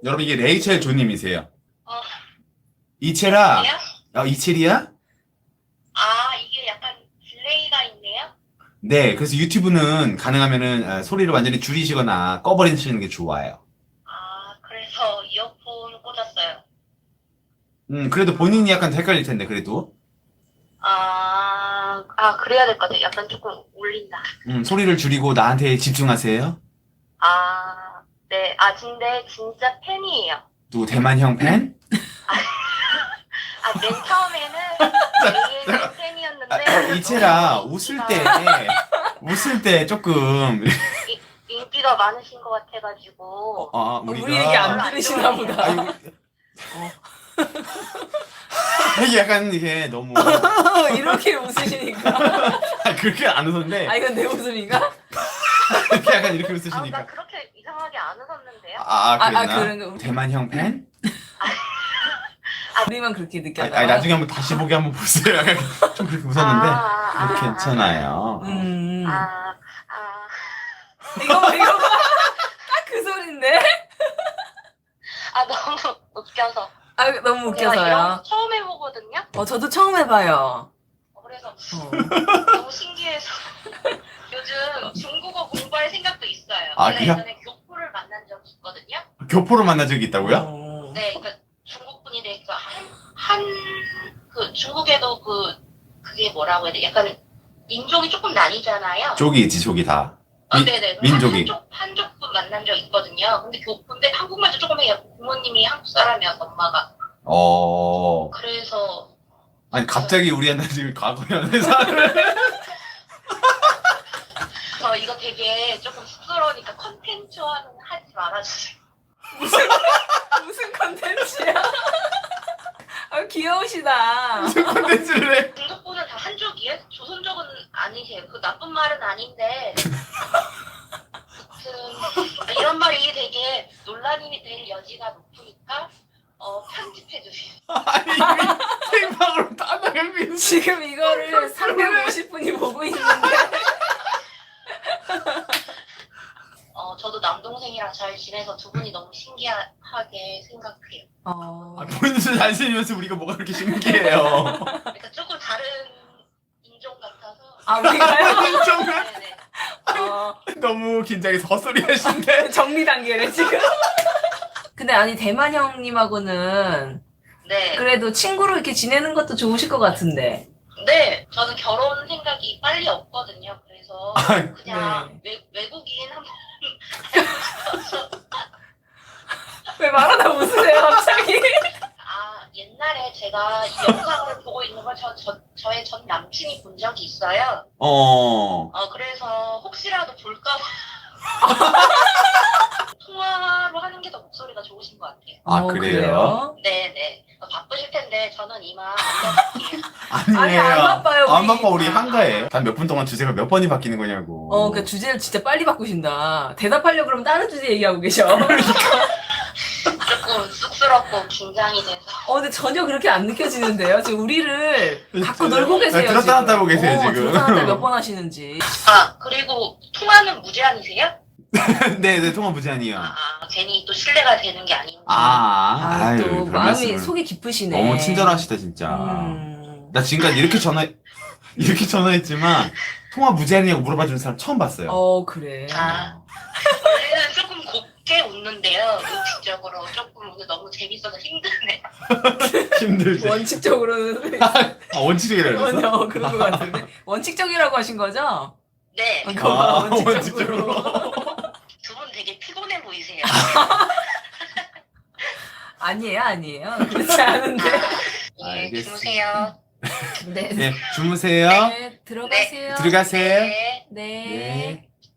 여러분 이게 레이첼 조님이세요. 어, 이첼아. 그래요? 이첼이야? 아, 이게 약간 딜레이가 있네요? 네, 그래서 유튜브는 가능하면은 소리를 완전히 줄이시거나 꺼버리시는 게 좋아요. 아, 그래서 이어폰 꽂았어요. 그래도 본인이 약간 헷갈릴 텐데, 그래도. 그래야 될 것 같아요. 약간 조금 울린다. 소리를 줄이고 나한테 집중하세요. 아, 네. 근데 진짜 팬이에요. 또 대만형 팬? 맨 처음에는 AN 팬이었는데. 이첼아, 웃을 때 조금, 인기가 많으신 것 같아가지고. 우리가. 우리 얘기 안 들으시나 보다. 아이고. 이게 약간 이게 너무. 이렇게 웃으시니까. 그렇게 안 웃었는데. 이건 내 웃음인가? 이렇게 약간 이렇게 나 웃으시니까. 그렇게 이상하게 안 웃었는데요? 그랬나? 그런 거. 대만형 팬? 우리만 그렇게 느꼈나? 아니, 나중에 한번 다시 보기 한번 보세요. 약간 좀 그렇게 웃었는데. 괜찮아요. 이거 봐. 딱 그 소린데? 너무 웃겨서. 너무 제가 이런 웃겨서요. 거 처음 해보거든요? 저도 처음 해봐요. 그래서 너무 신기해서 요즘 중국어 공부할 생각도 있어요. 원래 그래요? 예전에 교포를 만난 적이 있거든요. 교포로 만난 적이 있다고요? 네, 그러니까 중국 분인데 그 중국에도 그게 뭐라고 해야 돼? 약간 민족이 조금 나뉘잖아요. 족이 있지, 족이 다. 네네. 민족이. 한족 분 만난 적 있거든요. 근데 교포인데 한국말도 조금 해요. 부모님이 한국 사람이어서 엄마가. 그래서 아니, 갑자기 우리한테 지금 과거 연애사를. 저 이거 되게 조금 쑥스러우니까 컨텐츠화는 하지 말아주세요. 무슨 컨텐츠야? 귀여우시다. 무슨 콘텐츠를 해? 중국분은 다 한족이에요? 조선족은 아니세요. 그 나쁜 말은 아닌데. 아무튼 이런 말이 되게 논란이 될 여지가 높으니까 편집해주세요. 아니, 생방으로 따나게 지금 이거를 350분이 보고 있는데. 저도 남동생이랑 잘 지내서 두 분이 너무 신기하게 생각해요. 본인도 잘생기면서 우리가 뭐가 그렇게 신기해요. 그러니까 조금 다른 인종 같아서. 우리가요? 인종은 네네. 너무 긴장해서 헛소리 하신데. 정리 단계래, 지금. 근데 아니, 대만 형님하고는 네. 그래도 친구로 이렇게 지내는 것도 좋으실 것 같은데. 네, 저는 결혼 생각이 빨리 없거든요. 그래서 그냥 외국인 한번 왜 말하다 웃으세요, 갑자기? 옛날에 제가 이 영상을 보고 있는 걸 저의 전 남친이 본 적이 있어요. 그래서 혹시라도 볼까 봐 통화로 하는 게 더 목소리가 좋으신 것 같아요. 그래요? 네네. 바쁘실 텐데 저는 이만 안녕할게요. 아니에요. 안 바빠요, 안 우리. 바빠, 우리 한가해. 단 몇 분 동안 주제가 몇 번이 바뀌는 거냐고. 그러니까 주제를 진짜 빨리 바꾸신다. 대답하려고 그러면 다른 주제 얘기하고 계셔. 조금 쑥스럽고 긴장이 돼서. 근데 전혀 그렇게 안 느껴지는데요? 지금 우리를 갖고 놀고 계세요. 들었다 놨다 하고 계세요, 지금. 들었다 놨다 몇 번 하시는지. 그리고 통화는 무제한이세요? 네, 통화 무제한이요. 괜히 또 신뢰가 되는 게 아닌지. 아유, 또 별 마음이 말씀을. 속이 깊으시네. 너무 친절하시다, 진짜. 나 지금까지 이렇게 전화했지만, 통화 무제한이냐고 물어봐주는 사람 처음 봤어요. 그래. 원래는 조금 곱게 웃는데요. 의식적으로 조금 오늘 너무 재밌어서 힘드네. 힘들지. 원칙적으로는. 원칙이라고 그랬어? 그런 것 같은데. 원칙적이라고 하신 거죠? 네. 원칙적으로. 두 분 되게 피곤해 보이세요. 아니에요. 그렇지 않은데. 예, 주무세요. 네. 네, 주무세요. 네, 들어가세요. 들어가세요. 네. 네. 네.